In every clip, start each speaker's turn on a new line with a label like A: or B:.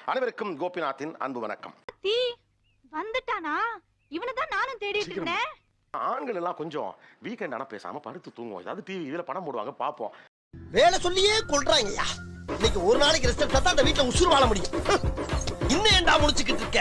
A: அனைவருக்கும் கோபிநாத்தின் அன்பு வணக்கம்.
B: வந்துட்டானா? இவனதான் நானும் தேடிட்டு இருந்தேன்.
A: ஆண்கள் எல்லாம் கொஞ்சம் வீக்கெண்ட் ஆனா பேசாம படுத்து தூங்குவோம். ஏதாவது டிவி இதுல படம் போடுவாங்க பாப்போம்.
C: வேலை சொல்லியே கொள்றாங்கய்யா. இன்னைக்கு ஒரு நாளைக்கு ரெஸ்ட் எடுத்தா தான் அந்த வீட்ல உசுறு வாழ முடியும். இன்னும் ஏண்டா முடிச்சுக்கிட்டு இருக்க?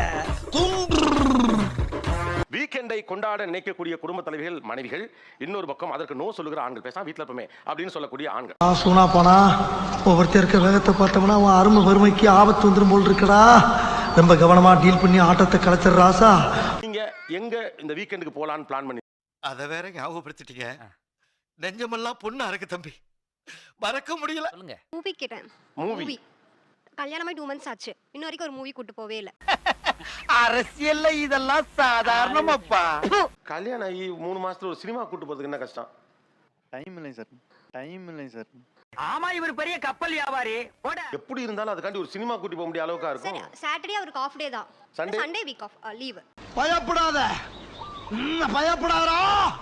A: வீக்கெண்டை கொண்டாட நினைக்கக்கூடிய குடும்ப தலைவிகள் மனைவிகள், இன்னொரு பக்கம் அதற்கு நோ சொல்லுகிற ஆண்கள், பேசாம வீட்டுல இருப்போமே அப்படின்னு சொல்லக்கூடிய ஆண்கள்.
D: சூனா போனா ஒவ்வொருத்தர் இருக்க வேகத்தை பார்த்தோம்னா அவன் அருமை வறுமைக்கு ஆபத்து வந்துடும் போல் இருக்கடா. ரொம்ப கவனமா டீல் பண்ணி ஆட்டத்தை கலைச்சிடுற ராசா.
A: நீங்க எங்க இந்த வீக்கெண்டுக்கு போலான்னு பிளான் பண்ணி
C: அத வேற ஞாபகப்படுத்திட்டீங்க. நெஞ்சமெல்லாம் பொண்ணு அறக்கு தம்பி, மறக்க முடியல.
E: சொல்லுங்க.
F: மூவி கேட்டேன்.
A: மூவி
F: கல்யாணமாய் 2 months ஆச்சு. இன்ன வரைக்கும் ஒரு மூவி கூட்டு போவே இல்ல.
C: அரசியல்ல இதெல்லாம் சாதாரணமாப்பா.
A: கல்யாணம் ஆகி 3 மாசத்துல ஒரு சினிமா கூட்டு போறதுக்கு என்ன கஷ்டம்?
G: டைம் இல்லை சார்.
E: ஆமா, இவர் பெரிய கப்பல் வியாபாரி.
A: எப்படி இருந்தாலும் அதுக்காண்டி ஒரு சினிமா கூட்டி போக முடிய அளவுக்கா
F: சரி,
A: இருக்கும்.
F: சாட்டர்டே அவருக்கு ஆஃப் டே தான்.
A: Sunday?
F: Sunday week off leave.
D: பயப்படாத, பயப்படாதா.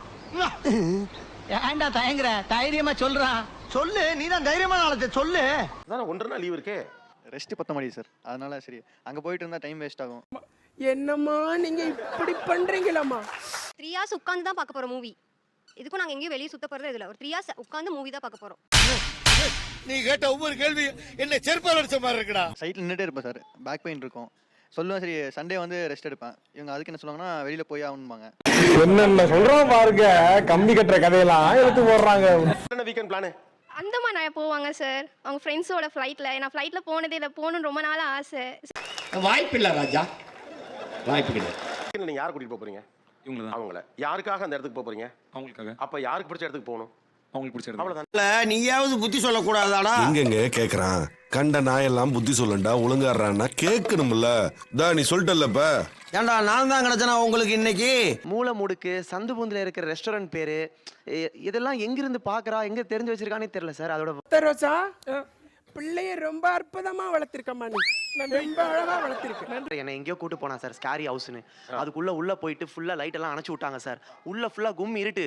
E: ஏன்டா தயங்குற? தைரியமா சொல்றான்.
D: சொல்லு, நீ தான் தைரியமா நாளத்தை சொல்லு.
A: அதான் 1.5 நாள் லீவ் இருக்கே.
G: ரெஸ்ட் பத்த மாட்டேங்குது சார். அதனால சரி அங்க போயிட்டு இருந்தா டைம் வேஸ்ட் ஆகும்.
H: என்னம்மா நீங்க இப்படி பண்றீங்களாம்மா?
F: 3 hours உட்கார்ந்து தான் பார்க்க போறோம் மூவி. இதுக்கும் நாங்க எங்கேயும் வெளிய சுத்த போறது இல்ல. ஒரு 3 hours உட்கார்ந்து மூவி தான் பார்க்க போறோம்.
C: நீ கேட்ட ஒவ்வொரு கேள்வி என்ன செருப்பால அடிச்ச மாதிரி இருக்குடா.
G: சைட்ல நின்னுட்டே இருப்பேன் சார். பேக் பெயின் இருக்கும். சொல்லுவேன் சரி சண்டே வந்து ரெஸ்ட் எடுப்பேன். இவங்க அதுக்கு என்ன சொல்லுவாங்கன்னா வெளியில போய் ஆகணும்பாங்க.
I: என்னென்ன சொல்றோம் பாருங்க, கம்பி கட்டுற கதையெல்லாம் எடுத்து போடுறாங்க.
A: என்ன வீக்கெண்ட் பிளான்?
F: அந்தமான் நான் போவாங்க சார். அவங்க ஃப்ரெண்ட்ஸோட ஃப்ளைட்ல. நான் ஃப்ளைட்ல போனதே இல்ல. போகணும்னு ரொம்ப நாளா ஆசை.
C: வாய்ப்பில்லை ராஜா, வாய்ப்பு கிடையாது.
A: நீங்க யாரை கூட்டிட்டு போறீங்க?
J: இவங்கள தான்.
A: அவங்கள. யாருக்காக அந்த இடத்துக்கு போறீங்க?
J: அவங்களுக்காக.
A: அப்ப யாருக்கு பிடிச்ச இடத்துக்கு போகணும்?
J: அவங்களுக்கு பிடிச்ச இடம்.
A: அவ்வளவுதான்.
C: நீயாவது புத்தி சொல்லக்கூடாதாடா?
K: எங்கெங்க கேக்குறான்? கண்ட நாயெல்லாம் புத்தி சொல்லண்டா, ஒழுங்காடுறான்னா கேட்கணும்ல. நீ சொல்லிட்டல்லப்ப.
C: ஏண்டா நான் தான் கிடைச்சனா உங்களுக்கு இன்னைக்கு?
L: மூளை முடுக்கு சந்து பூந்துல இருக்கிற ரெஸ்டாரண்ட் பேரு இதெல்லாம் எங்கிருந்து பாக்குறா, எங்க தெரிஞ்சு வச்சிருக்கானே தெரியல சார். அதோட
H: ரோசா பிள்ளைய ரொம்ப அற்புதமா வளர்த்திருக்கம்மா. நீ ரொம்ப அழகா வளர்த்திருக்க.
L: என்னை எங்கேயோ கூட்டு போனா சார், ஸ்காரி ஹவுஸ்னு. அதுக்குள்ள உள்ள போயிட்டு ஃபுல்லா லைட் எல்லாம் அணைச்சு விட்டாங்க சார். உள்ள ஃபுல்லா கும் இருட்டு.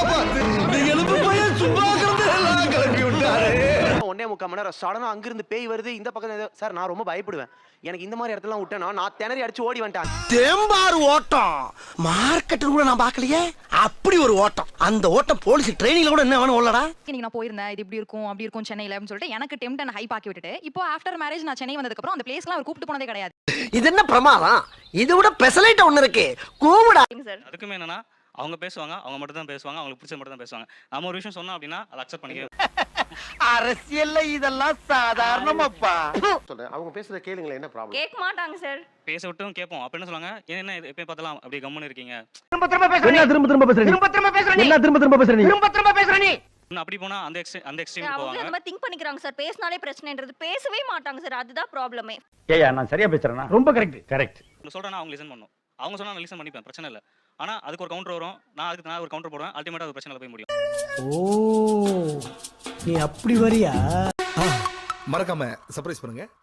L: 1.25 மணி நேரம் சடனா அங்கிருந்து பேய் வருது இந்த பக்கம் சார். நான் ரொம்ப பயப்படுவேன். எனக்கு இந்த மாதிரி இடத்துல விட்டேன்னா நான் திணறி அடிச்சு ஓடி வந்துட்டேன்.
C: தேம்பாறு ஓட்டம் மார்க்கெட் கூட நான் பார்க்கலையே. அப்படி ஒரு ஓட்டம். அந்த ஓட்டம் போலீஸ் ட்ரைனிங்ல கூட என்ன வேணும் ஓடலடா.
B: இன்னைக்கு நான் போயிருந்தேன். இது இப்படி இருக்கும் அப்படி இருக்கும் சென்னையில அப்படின்னு சொல்லிட்டு எனக்கு டெம்ப்ட் அண்ட் ஹைப் ஆக்கி விட்டுட்டு இப்போ ஆஃப்டர் மேரேஜ் நான் சென்னை வந்ததுக்கு அப்புறம் அந்த பிளேஸ்லாம் அவர் கூப்பிட்டு போனதே கிடையாது.
C: இது என்ன பிரமாதம்? இது விட பெசலைட் ஒன்னு இருக்கு. கூவுடா.
J: அதுக்குமே என்னன்னா அவங்க பேசுவாங்க, அவங்க மட்டும் தான் பேசுவாங்க, அவங்களுக்கு பிடிச்ச மட்டும் தான் பேசுவாங்க. நம்ம ஒரு விஷயம் சொன்னோம் அப்படின்னா அதை அக்செப்ட் பண்ணிக்க.
C: அரசியல்ல இதெல்லாம் சாதாரணமாப்பா.
A: சொல்றேன், அவங்க பேசுறத கேளுங்களேன். என்ன ப்ராப்ளம்?
F: கேட்க மாட்டாங்க சார்.
J: பேச விட்டும் கேட்போம். அப்ப என்ன சொல்லுவாங்க, என்ன எப்ப பார்த்தலாம் அப்படி கம்முன்னு இருக்கீங்க.
D: திரும்ப திரும்ப பேசுற நீ.
J: அப்படி போனா அந்த எக்ஸ்ட்ரீம் போவாங்க.
F: அவங்க நம்ம திங்க் பண்ணிக்கறாங்க சார். பேசினாலே பிரச்சனைன்றது. பேசவே மாட்டாங்க சார். அதுதான் ப்ராப்ளமே.
I: ஏயா நான் சரியா பேசுறேனா? ரொம்ப கரெக்ட்.
J: நான் சொல்றேன்னா அவங்க லிசன் பண்ணும். அவங்க சொன்னா நான் லிசன் பண்ணிப்பேன், பிரச்சனை இல்ல. ஆனா அதுக்கு ஒரு கவுண்டர் வரும். நான் ஒரு கவுண்டர் போடுவேன். அல்டிமேட்டா அது பிரச்சனைல போய் முடியும்.
D: ஓ, நீ அப்படி வரியா?
C: மறக்காம சர்ப்ரைஸ் பண்ணுங்க.